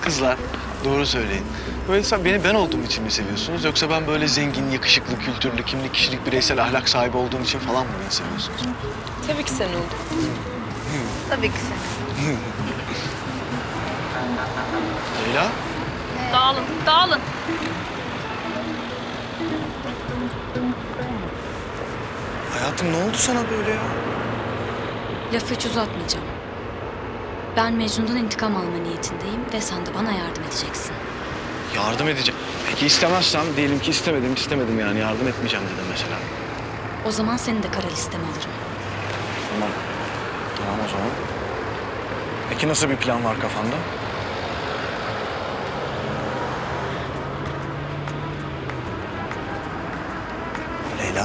Kızlar, doğru söyleyin. Böyle sen beni ben olduğum için mi seviyorsunuz? Yoksa ben böyle zengin, yakışıklı, kültürlü, kimlik, kişilik, bireysel ahlak sahibi olduğum için falan mı beni seviyorsunuz? Tabii ki sen oldun. Tabii ki sen. Leyla? Dağılın, dağılın. Hayatım ne oldu sana böyle ya? Lafı hiç uzatmayacağım. Ben Mecnun'dan intikam alma niyetindeyim ve sen de bana yardım edeceksin. Yardım edeceğim. Peki istemezsem, diyelim ki istemedim yani yardım etmeyeceğim dedim mesela. O zaman seni de kara listeme alırım. Tamam. Tamam o zaman. Peki nasıl bir plan var kafanda? Leyla.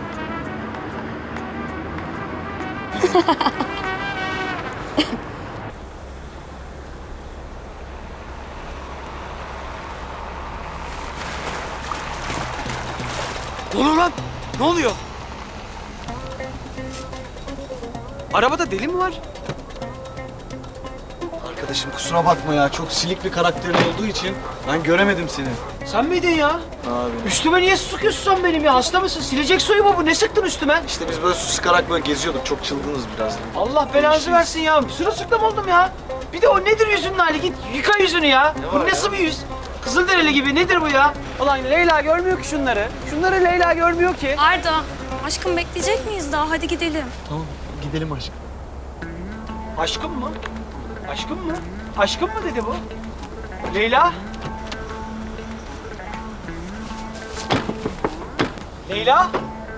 Ne oluyor lan? Ne oluyor? Arabada deli mi var? Arkadaşım kusura bakma ya. Çok silik bir karakterin olduğu için ben göremedim seni. Sen miydin ya? Abi. Üstüme niye sıkıyorsun sen benim ya? Hasta mısın? Silecek suyu mu bu? Ne sıktın üstüme? İşte biz böyle su sıkarak böyle geziyorduk. Çok çılgınız biraz. Allah belanızı versin ya. Sırılsıklam oldum ya. Bir de o nedir yüzünün hali? Git yıka yüzünü ya. Bu nasıl bir yüz? Kızılderili gibi nedir bu ya? Ulan Leyla görmüyor ki şunları. Şunları Leyla görmüyor ki. Arda, aşkım bekleyecek miyiz daha? Hadi gidelim. Tamam gidelim aşkım. Aşkım mı? Aşkım mı? Aşkım mı dedi bu? Leyla? Leyla?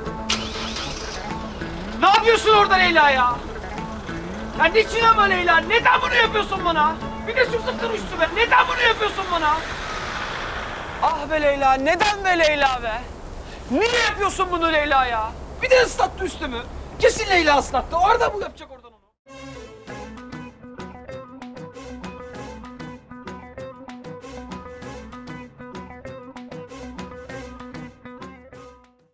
Ne yapıyorsun orada Leyla ya? Ya niçin ama Leyla? Neden bunu yapıyorsun bana? Bir de su sıktın üstüme. Neden bunu yapıyorsun bana? Ah be Leyla, neden be Leyla be? Niye yapıyorsun bunu Leyla ya? Bir de ıslattı üstümü. Kesin Leyla ıslattı. Orada bu yapacak